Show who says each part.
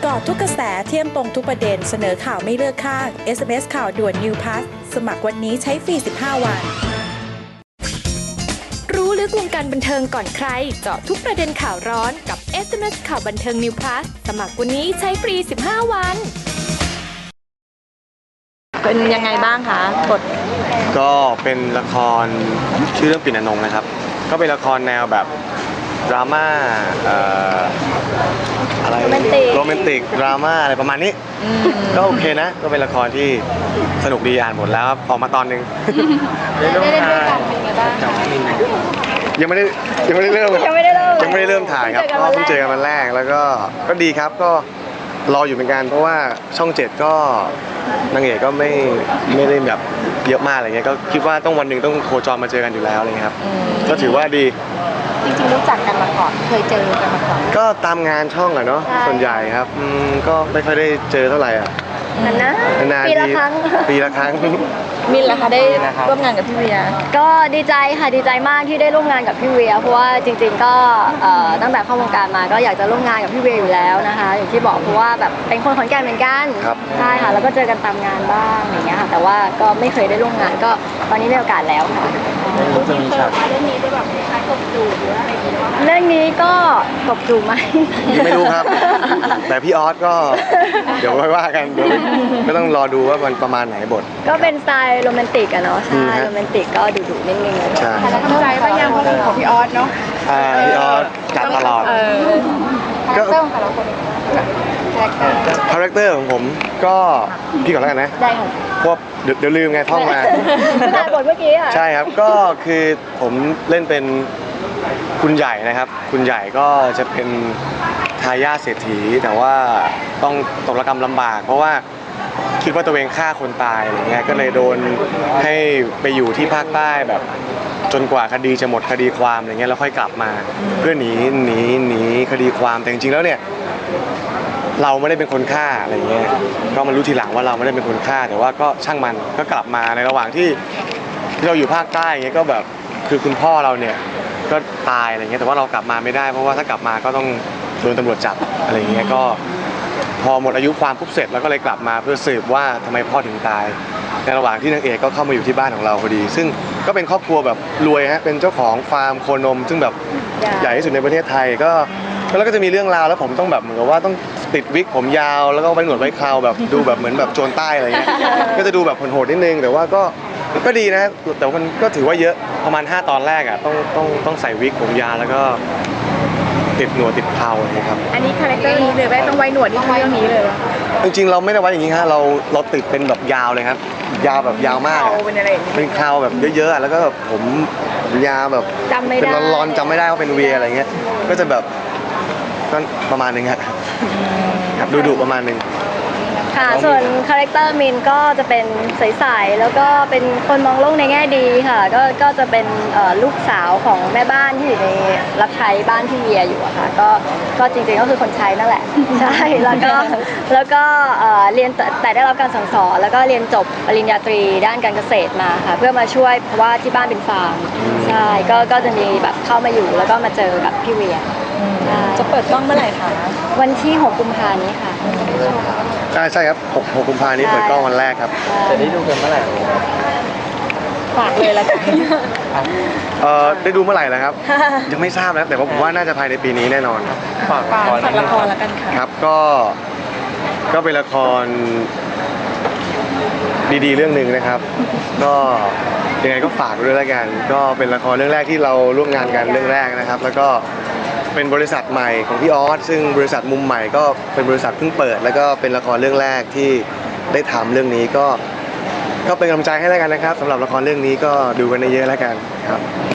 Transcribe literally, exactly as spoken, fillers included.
Speaker 1: กาะทุกกระแสเที่ยมตรงทุกประเด็นเสนอข่าวไม่เลือกข้าง เอส เอ็ม เอส ข่าวด่วน New Plus สมัครวันนี้ใช้ฟรีสิบห้าวัน
Speaker 2: รู้ลึกวงการบันเทิงก่อนใครเจาะทุกประเด็นข่าวร้อนกับ เอส เอ็ม เอส ข่าวบันเทิง New Plus สมัครวันนี้ใช้ฟรีสิบห้าวัน
Speaker 3: เป็นยังไงบ้างคะบท
Speaker 4: ก็เป็นละครชื่อเรื่องปิ่นอนงนะครับก็เป็นละครแนวแบบดราม่าอะไรโรแมนติกโรแมนติกดราม่าอะไรประมาณนี้ก็โอเคนะก็เป็นละครที่สนุกดีอ่านหมดแล้วออกมาตอนนึง
Speaker 3: ได้เล่นด้วยกันเป็นไงบ้าง
Speaker 4: ยังไม่ได้ยังไม่ได้เริ่ม
Speaker 3: ยังไม่ได้เริ่ม
Speaker 4: ยังไม่ได้เริ่มถ่ายครับก็เพิ่งเจอกันวันแรกแล้วก็ก็ดีครับก็รออยู่เหมือนกันเพราะว่าช่องเจ็ดก็นางเอกก็ไม่ไม่ได้แบบเยอะมากอะไรเงี้ยก็คิดว่าต้องวันหนึ่งต้องโคจรมาเจอกันอยู่แล้วอะไรเงี้ยครับก็ถือว่าดี
Speaker 3: จริงๆรู้จักกันมาก่อนเคยเจอกันมาก่อน
Speaker 4: ก็ตามงานช่องอะเนาะส่วนใหญ่ครับอืมก็ไม่ค่อยได้เจอเท่าไหร่อ่ะ
Speaker 3: นานนะ
Speaker 4: ปีละครั้งปีละครั้ง
Speaker 3: มินล่ะคะได้ร่วมงานกับพี่เวียก็ดีใจค่ะดีใจมากที่ได้ร่วมงานกับพี่เวียเพราะว่าจริงๆก็ตั้งแต่เข้าวงการมาก็อยากจะร่วมงานกับพี่เวียอยู่แล้วนะคะอย่างที่บอกเพราะว่าแบบเป็นคนขอนแก่นเหมือนกันใช่ค่ะแล้วก็เจอกันตามงานบ้างอย่างเงี้ยค่ะแต่ว่าก็ไม่เคยได้ร่วมงานก็ตอนนี้ได้โอกาสแล้วค่ะ
Speaker 4: จะมีฉาก
Speaker 3: เรื่องนี้ได้แบบคล้ายๆกบจูบหรืออะไรอย่างเงี้ยเรื่องนี้ก็กบจูบไหม
Speaker 4: ยังไม่รู้ครับแต่พี่ออสก็เดี๋ยวไว้ว่ากันเดี๋ยวก็ต้องรอดูว่ามันประมาณไหนบท
Speaker 3: ก็เป็นสไตล์โรแมนติกอะเนาะใช่โรแมนติกก็ดุๆนิดนึง
Speaker 4: ใช่
Speaker 3: แล้วเข้าใจว่ายังของพี่ออสเนาะ
Speaker 4: พี่ออสจัดตลอดก็คาแรคเตอร์ของผมก็พี่ก่อนแล้วกันนะ
Speaker 3: ได้ค่ะ
Speaker 4: พวกเดี๋ยวลืมไงท่องมา
Speaker 3: แต่บทเมื่อกี้ค่ะ
Speaker 4: ใช่ครับก็คือผมเล่นเป็นคุณใหญ่นะครับคุณใหญ่ก็จะเป็นทายาทเศรษฐีแต่ว่าต้องตกระกำลำบากเพราะว่าคิดว่าตัวเองฆ่าคนตายอะไรเงี้ยก็เลยโดนให้ไปอยู่ที่ภาคใต้แบบจนกว่าคดีจะหมดคดีความอะไรเงี้ยแล้วค่อยกลับมาเพื่อหนีหนีหนีคดีความแต่จริงๆแล้วเนี่ยเราไม่ได้เป็นคนฆ่าอะไรเงี้ยก็มารู้ทีหลังว่าเราไม่ได้เป็นคนฆ่าแต่ว่าก็ช่างมันก็กลับมาในระหว่างที่ที่เราอยู่ภาคใต้เงี้ยก็แบบคือคุณพ่อเราเนี่ยก็ตายอะไรเงี้ยแต่ว่าเรากลับมาไม่ได้เพราะว่าถ้ากลับมาก็ต้องโดนตำรวจจับอะไรเงี้ยก็พอหมดอายุความปุ๊บเสร็จแล้วก็เลยกลับมาเพื่อสืบว่าทำไมพ่อถึงตายในระหว่างที่นางเอกก็เข้ามาอยู่ที่บ้านของเราพอดีซึ่งก็เป็นครอบครัวแบบรวยฮะเป็นเจ้าของฟาร์มโคนมซึ่งแบบใหญ่ที่สุดในประเทศไทยก็แล้วก็จะมีเรื่องราวแล้วผมต้องแบบเหมือนกับว่าต้องติดวิกผมยาวแล้วก็ไว้หนวดไว้เคราแบบดูแบบเหมือนแบบโจรใต้อะไรเงี้ยก็จะดูแบบโหดๆนิดนึงแต่ว่าก็ก็ดีนะแต่มันก็ถือว่าเยอะประมาณห้าตอนแรกอ่ะต้องต้องต้องใส่วิกผมยาวแล้วก็ติดหนวดติดเคราอะไรครับ
Speaker 3: อันนี้คาแรคเตอร์นี้เลยไหมต้องไว้หนวดที่เรื่องนี้เลย
Speaker 4: จริงๆเราไม่ได้ไว้อย่างนี้ฮะเราเราติดเป็นแบบยาวเลยครับยาวแบบยาวมาก
Speaker 3: เป็นอะไร
Speaker 4: เป็นเคราแบบเยอะๆแล้วก็แบบผมยาวแบบเป็นรอนๆจำไม่ได้ว่าเป็นเวียอะไรเงี้ยก็จะแบบก็ประมาณนึงฮะดูดุประมาณนึง
Speaker 3: ค่ะส่วนคาแรคเตอร์มินก็จะเป็นใสๆแล้วก็เป็นคนมองโลกในแง่ดีค่ะก็ก็จะเป็นลูกสาวของแม่บ้านที่อยู่ในรับใช้บ้านที่เวียอยู่อะค่ะก็ก็จริงๆก็คือคนใช้นั่นแหละใช่แล้วก็แล้วก็เรียนแต่ได้รับการสั่งสอนแล้วก็เรียนจบปริญญาตรีด้านการเกษตรมาค่ะเพื่อมาช่วยเพราะว่าที่บ้านเป็นฟาร์มใช่ก็ก็จะมีแบบเข้ามาอยู่แล้วก็มาเจอกับพี่เวีย
Speaker 1: จะเปิดกล้องเมื่อไหร่คะ
Speaker 3: วันที่หกกุมภาพันธ์นี้ค่ะ
Speaker 4: ใช่ใช่ครับหกกุมภาพันธ์นี้เปิดกล้องวันแรกครับ
Speaker 1: จะได้ดูกันเมื่อไหร่ฝากเลยละกัน
Speaker 4: เอ่อได้ดูเมื่อไหร่แล้วครับยังไม่ทราบนะแต่ว่าผมว่าน่าจะภายในปีนี้แน่นอน
Speaker 1: ฝากฝากละครละกันค่ะ
Speaker 4: ครับก็ก็เป็นละครดีๆเรื่องหนึ่งนะครับก็ยังไงก็ฝากด้วยละกันก็เป็นละครเรื่องแรกที่เราร่วมงานกันเรื่องแรกนะครับแล้วก็เป็นบริษัทใหม่ของพี่ออสซึ่งบริษัทมุมใหม่ก็เป็นบริษัทเพิ่งเปิดแล้วก็เป็นละครเรื่องแรกที่ได้ทำเรื่องนี้ก็ก็เป็นกำลังใจให้แล้วกันนะครับสำหรับละครเรื่องนี้ก็ดูกันเยอะๆแล้วกันครับ